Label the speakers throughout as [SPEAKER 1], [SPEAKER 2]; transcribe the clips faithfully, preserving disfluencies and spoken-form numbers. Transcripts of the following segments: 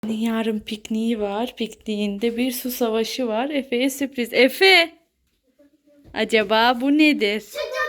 [SPEAKER 1] Yarın pikniği var. Pikniğinde bir su savaşı var. Efe'ye sürpriz. Efe! Acaba bu nedir?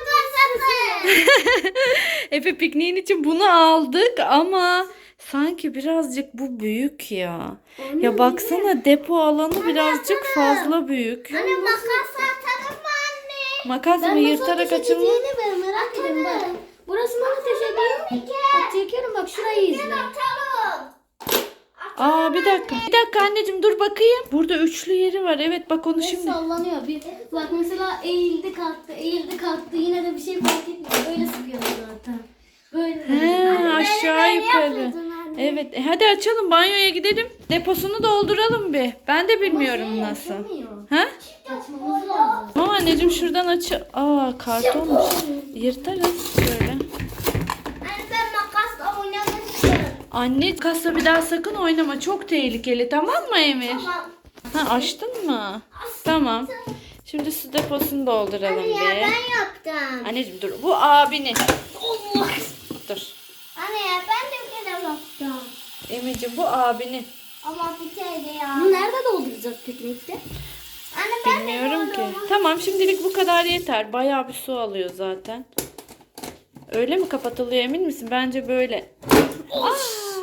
[SPEAKER 1] Efe pikniğin için bunu aldık ama sanki birazcık bu büyük ya. Ya baksana depo alanı birazcık fazla büyük.
[SPEAKER 2] Anne makas atalım mı anne?
[SPEAKER 1] Makas mı yırtarak açılma?
[SPEAKER 3] Ben merak ediyorum bak. Burası mı ateş ediyor? Bak çekiyorum bak şurayı izle.
[SPEAKER 2] Atalım.
[SPEAKER 1] Aa bir dakika. Bir dakika anneciğim dur bakayım. Burada üçlü yeri var. Evet bak onu
[SPEAKER 3] Şimdi
[SPEAKER 1] şimdi.
[SPEAKER 3] sallanıyor. Bir, bak mesela eğildi kalktı, eğildi kalktı. Yine de bir şey fark etmiyor. Böyle sıkıyor zaten. Böyle.
[SPEAKER 1] He, aşağı yukarı.
[SPEAKER 2] yapıyordun anne.
[SPEAKER 1] Evet. E, hadi açalım banyoya gidelim. Deposunu dolduralım bir. Ben de bilmiyorum nasıl. Ha?
[SPEAKER 3] Açmamız lazım.
[SPEAKER 1] Tamam anneciğim şuradan aç. Aa kartonmuş. Yırtarız şöyle.
[SPEAKER 2] Anne ben makasla oynamak istiyorum.
[SPEAKER 1] Anne kasa bir daha sakın oynama. Çok tehlikeli tamam mı Emir?
[SPEAKER 2] Tamam.
[SPEAKER 1] Ha açtın mı? Tamam. Şimdi su deposunu dolduralım
[SPEAKER 2] Anne ya
[SPEAKER 1] bir.
[SPEAKER 2] ben yaptım.
[SPEAKER 1] Anneciğim dur. Bu abinin. Allah. Dur.
[SPEAKER 2] Anne ya ben de bir kere yaptım.
[SPEAKER 1] Emir'ciğim bu abinin.
[SPEAKER 2] Ama bir kere ya.
[SPEAKER 3] Bunu nerede dolduracağız piknikte?
[SPEAKER 2] Anne ben
[SPEAKER 1] Bilmiyorum
[SPEAKER 2] de
[SPEAKER 1] ki.
[SPEAKER 2] yapıyorum.
[SPEAKER 1] Tamam şimdilik bu kadar yeter. Bayağı bir su alıyor zaten. Öyle mi kapatılıyor emin misin? Bence böyle. Aa!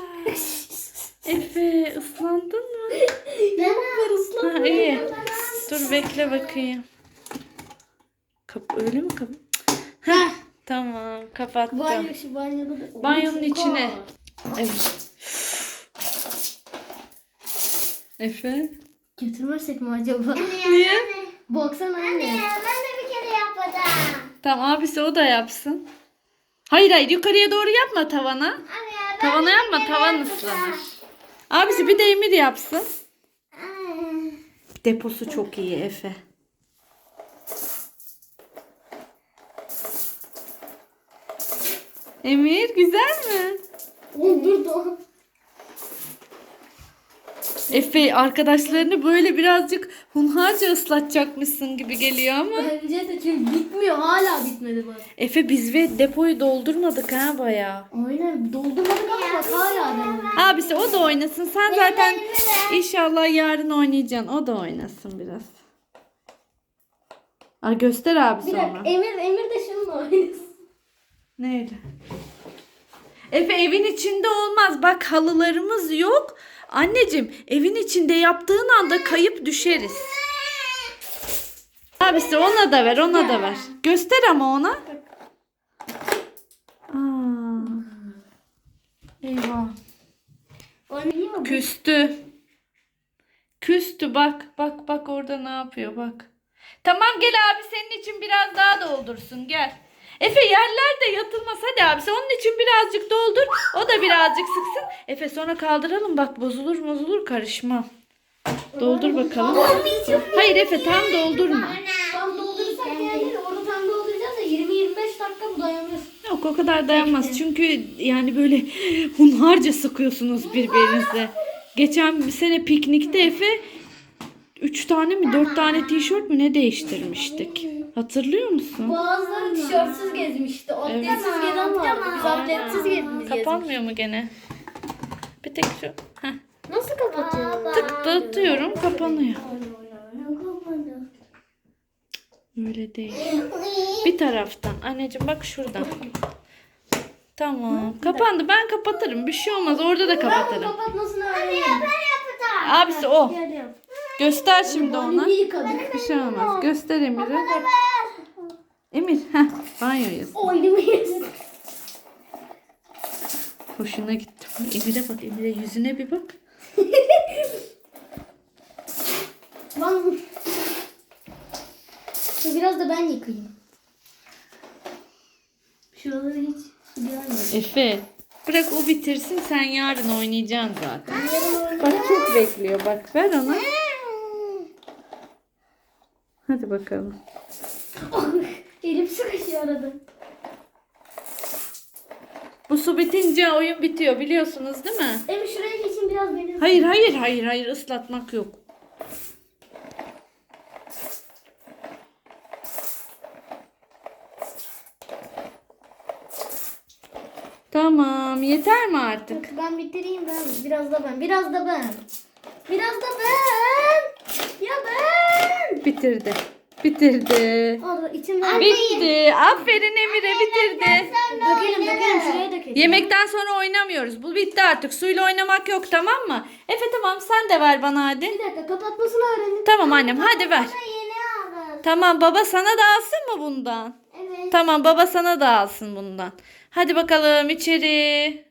[SPEAKER 1] Efe ıslandın mı?
[SPEAKER 3] Ne var ıslan?
[SPEAKER 1] Ha, iyi. Dur bekle bakayım. Kap öyle mi kap? Heh, tamam kapattım.
[SPEAKER 3] Banyo şu banyoda da.
[SPEAKER 1] Banyonun içine. Evet. Efe.
[SPEAKER 3] Götürmezsek mi acaba?
[SPEAKER 1] Niye?
[SPEAKER 3] Baksana
[SPEAKER 2] Anne
[SPEAKER 3] anne.
[SPEAKER 2] ya ben de bir kere yapmadım.
[SPEAKER 1] Tamam abisi o da yapsın. Hayır hayır yukarıya doğru yapma tavana.
[SPEAKER 2] Anne ya ben
[SPEAKER 1] Tavana
[SPEAKER 2] de
[SPEAKER 1] yapma
[SPEAKER 2] bir kere
[SPEAKER 1] tavan
[SPEAKER 2] yapmadım.
[SPEAKER 1] ıslanır. Abisi bir de Emir yapsın.
[SPEAKER 2] Anne.
[SPEAKER 1] Deposu çok iyi Efe. Emir güzel mi?
[SPEAKER 3] Dur dur.
[SPEAKER 1] Efe arkadaşlarını böyle birazcık hunharca ıslatacakmışsın gibi geliyor ama.
[SPEAKER 3] Bence de çünkü bitmiyor. Hala bitmedi bak.
[SPEAKER 1] Efe biz ve depoyu doldurmadık ha bayağı.
[SPEAKER 3] Aynen doldurmadık ama bak hala devam.
[SPEAKER 1] Abisi o da oynasın. Sen zaten inşallah yarın oynayacaksın. O da oynasın biraz. Aa, göster abisi
[SPEAKER 3] Bir dakika
[SPEAKER 1] ona.
[SPEAKER 3] Emir, Emir de şununla oynasın.
[SPEAKER 1] Neyle? Efe evin içinde olmaz. Bak halılarımız yok. Anneciğim evin içinde yaptığın anda kayıp düşeriz. Abisi ona da ver ona da ver. Göster ama ona. Aa. Eyvah.
[SPEAKER 3] Oynayayım mı?
[SPEAKER 1] Küstü. Küstü bak. Bak bak orada ne yapıyor bak. Tamam gel abi senin için biraz daha doldursun gel. Efe yerlerde yatılmaz hadi abisi onun için birazcık doldur. O da birazcık sıksın. Efe sonra kaldıralım bak bozulur bozulur karışma. Doldur bakalım. Hayır Efe tam doldurma.
[SPEAKER 3] Tam doldurursak yani onu tam dolduracağız da yirmi yirmi beş dakika bu dayanır.
[SPEAKER 1] Yok o kadar dayanmaz. Çünkü yani böyle hunharca sıkıyorsunuz birbirinize. Geçen bir sene piknikte Efe üç tane mi dört tane tişört mü ne değiştirmiştik. Hatırlıyor musun?
[SPEAKER 3] Bazıları tişörtsüz gezmişti. Atletsiz gezen vardı. Biz atletsiz gezmişiz.
[SPEAKER 1] Kapanmıyor mu gene? Bir tek şu. Heh.
[SPEAKER 3] Nasıl kapatıyor?
[SPEAKER 1] Tıklatıyorum kapanıyor. Öyle değil. Bir taraftan. Anneciğim bak şuradan. Tamam. Kapandı. Ben kapatırım. Bir şey olmaz. Orada da kapatırım.
[SPEAKER 3] Kapatmasını öğrenelim.
[SPEAKER 2] Ben yapacağım.
[SPEAKER 1] Abisi o.
[SPEAKER 3] Gel yap.
[SPEAKER 1] Göster şimdi ona.
[SPEAKER 3] Bir yıkadık.
[SPEAKER 1] Bir şey olmaz. Göster Emir'e. Emir. Heh. Banyoyuz.
[SPEAKER 3] Oynamayız.
[SPEAKER 1] Hoşuna gitti. Emir'e bak. Emir'e yüzüne bir bak.
[SPEAKER 3] Lan. Biraz da ben yıkayayım. Şuraları hiç gelmedi.
[SPEAKER 1] Efe. Bırak o bitirsin. Sen yarın oynayacaksın zaten. Bak çok bekliyor. Bak ver ona. Hadi bakalım.
[SPEAKER 3] Elim sıkışıyor arada.
[SPEAKER 1] Bu su bitince oyun bitiyor biliyorsunuz değil mi?
[SPEAKER 3] Emir şuraya geçin biraz beni.
[SPEAKER 1] Hayır hayır hayır hayır ıslatmak yok. Tamam Yeter mi artık?
[SPEAKER 3] Ben bitireyim ben. Biraz da ben. Biraz da ben. Biraz da ben. Ya ben.
[SPEAKER 1] Bitirdi. Bitirdi.
[SPEAKER 3] Orada içimden.
[SPEAKER 1] Bitti. Aferin Emir'e bitirdi.
[SPEAKER 3] Dökelim dökelim şuraya dökelim.
[SPEAKER 1] Yemekten sonra oynamıyoruz. Bu bitti artık. Suyla oynamak yok, tamam mı? Efe tamam, sen de ver bana hadi.
[SPEAKER 3] Bir dakika kapatmasını öğrenin.
[SPEAKER 1] Tamam annem, hadi ver.
[SPEAKER 2] Yeni aldım.
[SPEAKER 1] Tamam, baba sana da alsın mı bundan?
[SPEAKER 2] Evet.
[SPEAKER 1] Tamam, baba sana da alsın bundan. Hadi bakalım içeri.